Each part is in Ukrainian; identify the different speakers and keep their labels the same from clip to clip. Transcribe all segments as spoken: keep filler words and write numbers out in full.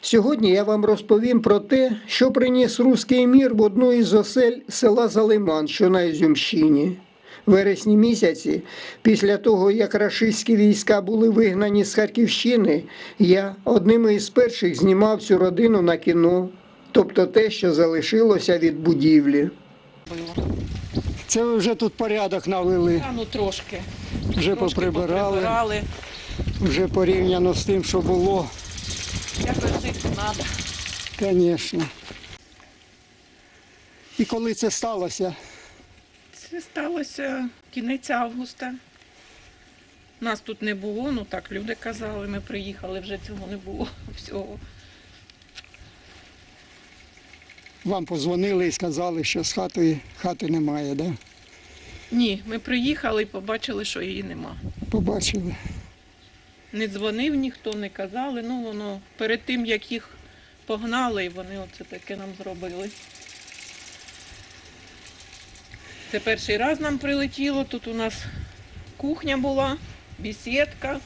Speaker 1: Сьогодні я вам розповім про те, що приніс руський мір в одну із осель села Залиман, що на Ізюмщині. В вересні місяці, після того, як рашистські війська були вигнані з Харківщини, я одним із перших знімав цю родину на кіно, тобто те, що залишилося від будівлі. Це ви вже тут порядок навели,
Speaker 2: А, ну трошки.
Speaker 1: вже
Speaker 2: Трошки
Speaker 1: поприбирали,
Speaker 2: поприбирали.
Speaker 1: вже порівняно з тим, що було.
Speaker 2: Якось жити треба.
Speaker 1: Звісно. І коли це сталося?
Speaker 2: Це сталося кінець августа. Нас тут не було, ну так люди казали, ми приїхали, вже цього не було всього.
Speaker 1: Вам позвонили і сказали, що з хати, хати немає, да?
Speaker 2: Ні, ми приїхали і побачили, що її нема.
Speaker 1: Побачили.
Speaker 2: Не дзвонив ніхто, не казали, ну воно перед тим, як їх погнали, і вони оце таке нам зробили. Це перший раз нам прилетіло, тут у нас кухня була, бесідка,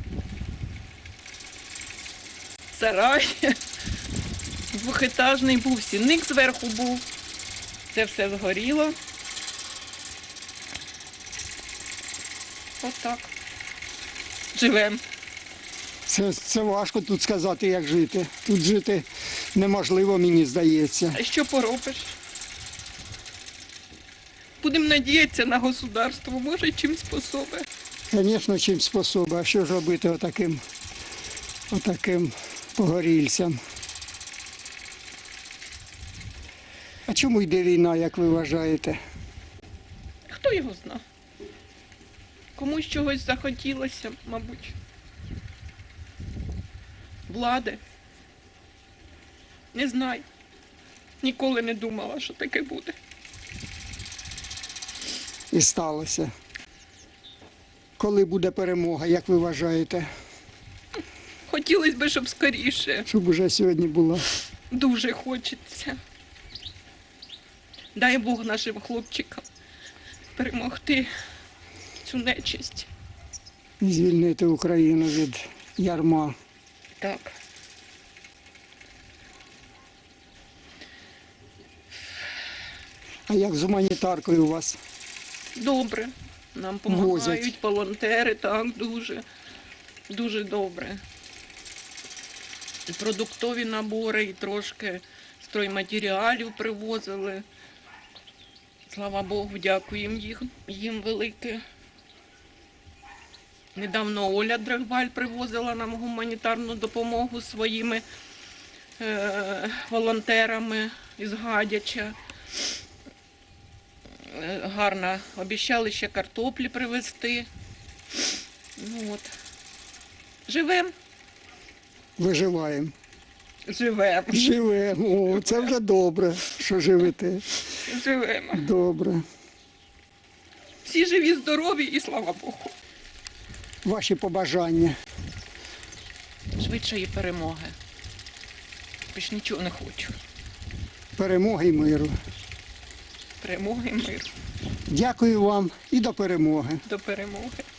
Speaker 2: сарай, двохетажний був, сінник зверху був, це все згоріло. Отак. Живемо.
Speaker 1: Це, це важко тут сказати, як жити. Тут жити неможливо, мені здається.
Speaker 2: А що поробиш? Будемо надіятися на государство, може чим способе.
Speaker 1: Звісно, чим способи. А що ж робити отаким, отаким погорільцям? А чому йде війна, як ви вважаєте?
Speaker 2: Хто його зна? Комусь чогось захотілося, мабуть. Влади. Не знаю. Ніколи не думала, що таке буде.
Speaker 1: І сталося. Коли буде перемога, як ви вважаєте?
Speaker 2: Хотілося б, щоб скоріше.
Speaker 1: Щоб уже сьогодні була.
Speaker 2: Дуже хочеться. Дай Бог нашим хлопчикам перемогти цю нечисть.
Speaker 1: І звільнити Україну від ярма.
Speaker 2: Так.
Speaker 1: А як з гуманітаркою у вас?
Speaker 2: Добре. Нам
Speaker 1: Возять.
Speaker 2: допомагають волонтери, так, дуже, дуже добре. І продуктові набори, і трошки стройматеріалів привозили. Слава Богу, дякуємо їм, їм велике. Недавно Оля Драгваль привозила нам гуманітарну допомогу своїми е, волонтерами із Гадяча. Е, гарно. Обіцяли ще картоплі привезти. Ну, от. Живем.
Speaker 1: Виживаємо.
Speaker 2: Живем.
Speaker 1: Живемо. О, це вже добре, що живете.
Speaker 2: Живемо.
Speaker 1: Добре.
Speaker 2: Всі живі, здорові і слава Богу.
Speaker 1: Ваші побажання.
Speaker 2: Швидшої перемоги. Більш нічого не хочу.
Speaker 1: Перемоги і миру.
Speaker 2: Перемоги і миру.
Speaker 1: Дякую вам і до перемоги.
Speaker 2: До перемоги.